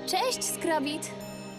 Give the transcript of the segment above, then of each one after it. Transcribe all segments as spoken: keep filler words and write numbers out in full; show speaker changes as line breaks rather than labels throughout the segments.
Cześć, Skrobit.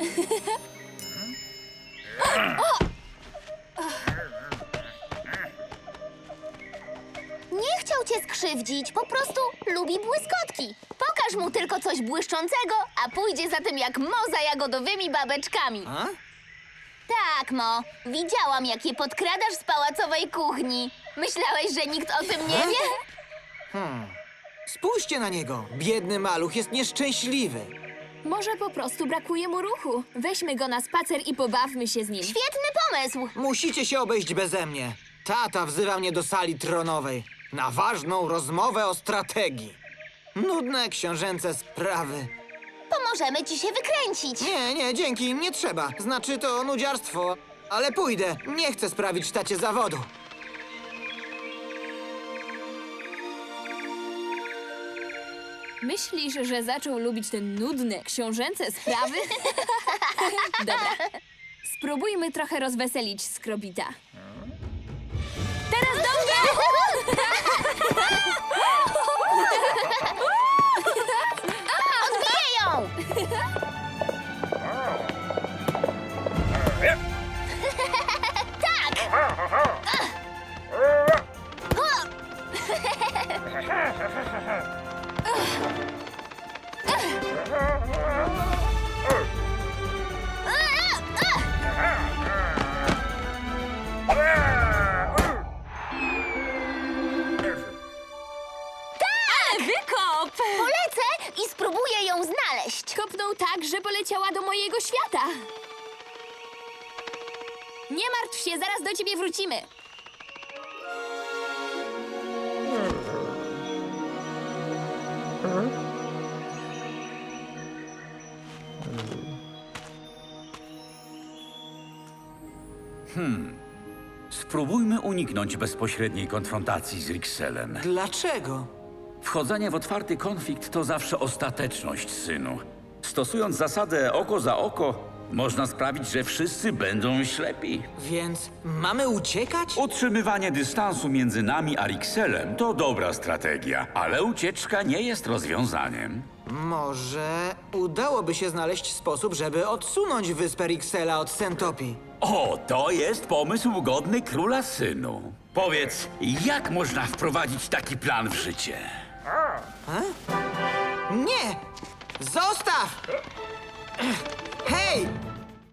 Nie chciał cię skrzywdzić, po prostu lubi błyskotki. Pokaż mu tylko coś błyszczącego, a pójdzie za tym jak Mo za jagodowymi babeczkami.
A?
Tak, Mo. Widziałam, jak je podkradasz z pałacowej kuchni. Myślałeś, że nikt o tym nie wie?
Spójrzcie na niego. Biedny maluch jest nieszczęśliwy.
Może po prostu brakuje mu ruchu. Weźmy go na spacer i pobawmy się z nim.
Świetny pomysł.
Musicie się obejść beze mnie. Tata wzywa mnie do sali tronowej na ważną rozmowę o strategii. Nudne książęce sprawy.
Pomożemy ci się wykręcić.
Nie, nie, dzięki, nie trzeba. Znaczy to nudziarstwo. Ale pójdę. Nie chcę sprawić tacie zawodu.
Myślisz, że zaczął lubić te nudne, książęce sprawy? Dobra. Spróbujmy trochę rozweselić Skrobita. Teraz do mnie!
Odbiję ją!
Wykop!
Polecę i spróbuję ją znaleźć.
Kopnął tak, że poleciała do mojego świata. Nie martw się, zaraz do ciebie wrócimy.
Spróbujmy uniknąć bezpośredniej konfrontacji z Rixelem.
Dlaczego?
Wchodzenie w otwarty konflikt to zawsze ostateczność, synu. Stosując zasadę oko za oko, można sprawić, że wszyscy będą ślepi.
Więc mamy uciekać?
Utrzymywanie dystansu między nami a Rixelem to dobra strategia, ale ucieczka nie jest rozwiązaniem.
Może udałoby się znaleźć sposób, żeby odsunąć wyspę Rixela od Sentopii.
O, to jest pomysł godny króla, synu. Powiedz, jak można wprowadzić taki plan w życie?
Nie! Zostaw! Hej!